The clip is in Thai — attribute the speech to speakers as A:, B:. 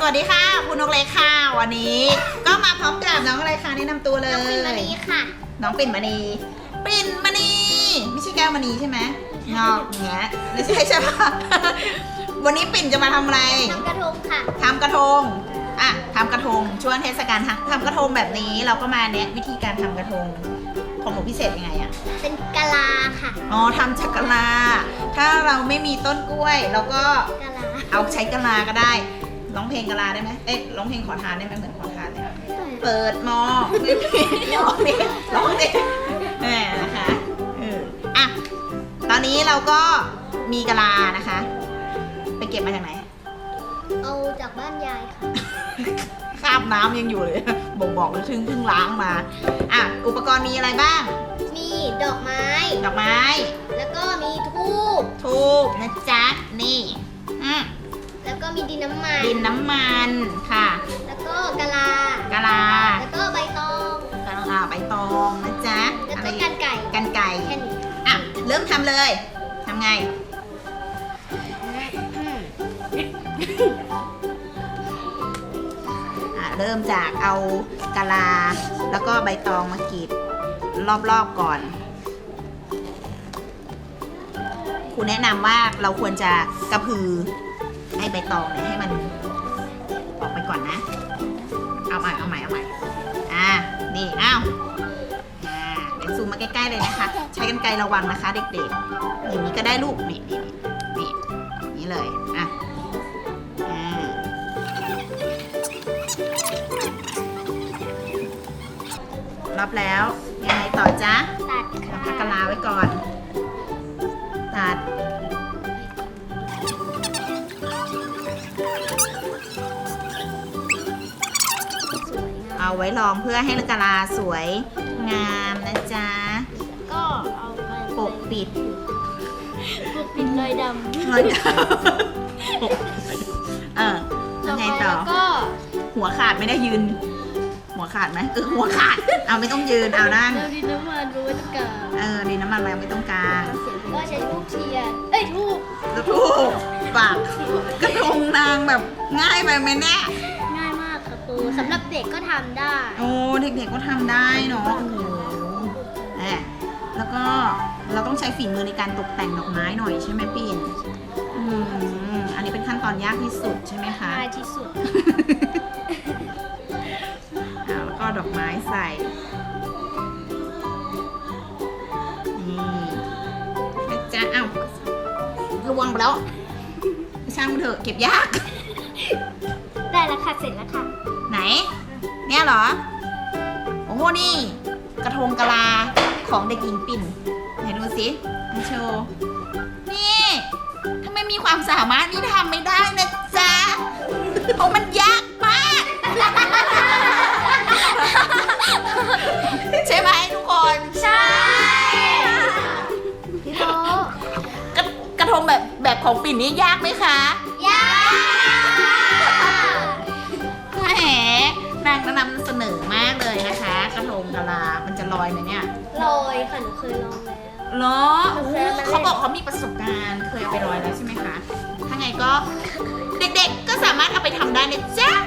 A: วัสดีค่ะคุณนกเล็กค่ะวันนี้ก็มาพร้อมกับน้องอะไรคะแนะนำตัวเลย
B: น้องปิ่นมณีค่ะ
A: น้องปิ่นมณีปิ่นมณีไม่ใช่แก้วมณีใช่ไหมงอกอย่างเงี้ยไม่ใช่ใช่ปะ วันนี้ปิ่นจะมาทำอะไร
B: ทำกระทงค่ะ
A: ทำกระทงอ่ะทำกระทงช่วงเทศกาลทำกระทงแบบนี้เราก็มาแนะวิธีการทำกระทงของหนูพิเศษยังไงอะ
B: เป็นกะลาค่ะ
A: อ๋อทำจากกะลาถ้าเราไม่มีต้นกล้วยเราก็
B: กะลา
A: เอาใช้กะลาก็ได้ร้องเพลงกะลาได้ไหมเอ๊ะร้องเพลงขอทานได้ไหมเหมือนขอทานเลยเปิดหมอไม่มีร้องดิร้องดิแหมนะคะอ่ะตอนนี้เราก็มีกะลานะคะ ไปเก็บมาจากไหน
B: เอาจากบ้านยายค่ะ
A: คราบน้ำยังอยู่เลยบ่งบอกเลยถึงเพิ่งล้างมาอ่ะอุปกรณ์มีอะไรบ้าง
B: มีดอกไม้
A: ดอกไม้
B: แล้วก็มีทูบ
A: ทูบนะจ๊ะนี่อืม
B: แล้วก็มีดินน้ำมัน
A: ดินน้ำมันค่ะ
B: แล้วก็กะลา
A: กะลา
B: แล้วก็ใบตอง
A: กะลาใบตองนะจ๊ะ
B: แล้ว
A: อะไร
B: ก็กันไก่
A: กันไก่
B: แค่นี้
A: อ่ะเริ่มทำเลยทำไงเริ่มจากเอากะลาแล้วก็ใบตองมากรีดรอบๆก่อนครูแนะนำว่าเราควรจะกระพือให้ใบตองเนี่ยให้มันออกไปก่อนนะเอาใหม่นี่เดี๋ยวซูมมาใกล้ๆเลยนะคะใช้กรรไกรระวังนะคะเด็กๆอย่างนี้ก็ได้ลูกนี่เลยรับแล้วยังไงต่อจ๊ะ
B: ตัด
A: เรา
B: ค่ะ
A: พักกะลาไว้ก่อน ตัดเอาไว้รองเพื่อให้กะลาสวยงามนะจ๊ะ
B: ก็เอาไป
A: ปกปิด
B: ปกปิดรอยดำ
A: เลยยังไงต่อ
B: แล้วก็
A: หัวขาดไม่ได้ยืน หัวขาดไหมหัวขาดเอาไม่ต้องยืนเอานั่ง
B: เราดินน้ำมันไว้ตรงกลาง
A: ดินน้ำมันแล้วไม่ต้องกลาง
B: ก็ใช้ทูบเทียนทูบ
A: แล้วถูกปากกระทงนางแบบง่ายไปไหมแน่
B: ง่ายมากค่ะครูสำหรับเด็กก็ทำได้
A: โอ้เด็กๆก็ทำได้เนาะโอ้โหแล้วก็เราต้องใช้ฝีมือในการตกแต่งดอกไม้หน่อยใช่ไหมปิ่นอันนี้เป็นขั้นตอนยากที่สุดใช่ไหมคะ
B: ง่ายที่สุด
A: แล้วก็ดอกไม้ใส่นี่นะจ๊ะระวังไปแล้วช่างมันเถอะเก็บยาก
B: ได้แล้วค่ะ เสร็จแล้วค่ะ
A: ไหน เนี่ยเหรอ โอ้โห นี่กระทงกะลาของเด็กหญิงปิ่นไหนดูสิมาโชว์ นี่ถ้าไม่มีความสามารถนี่ทำไม่ได้นะจ๊ะ เพราะมันยากมาก ใช่ไหมทุกคน
B: ใช่พี่โบ
A: กระทงแบบของปิ่นนี่ยากไหมคะ
B: ยาก
A: แหมนางนำเสนอมากเลยนะคะ กระทงกะลา มันจะลอยไหมเนี่ย
B: ลอยค่ะหนูเคยลองแล้ว
A: เหรอโอ้โหเขาบอกเขามีประสบการณ์ เคยเอาไปลอยแล้วใช่ไหมคะ ถ้าไงก็เด็กๆ ก็สามารถเอาไปทำได้นะจ๊ะ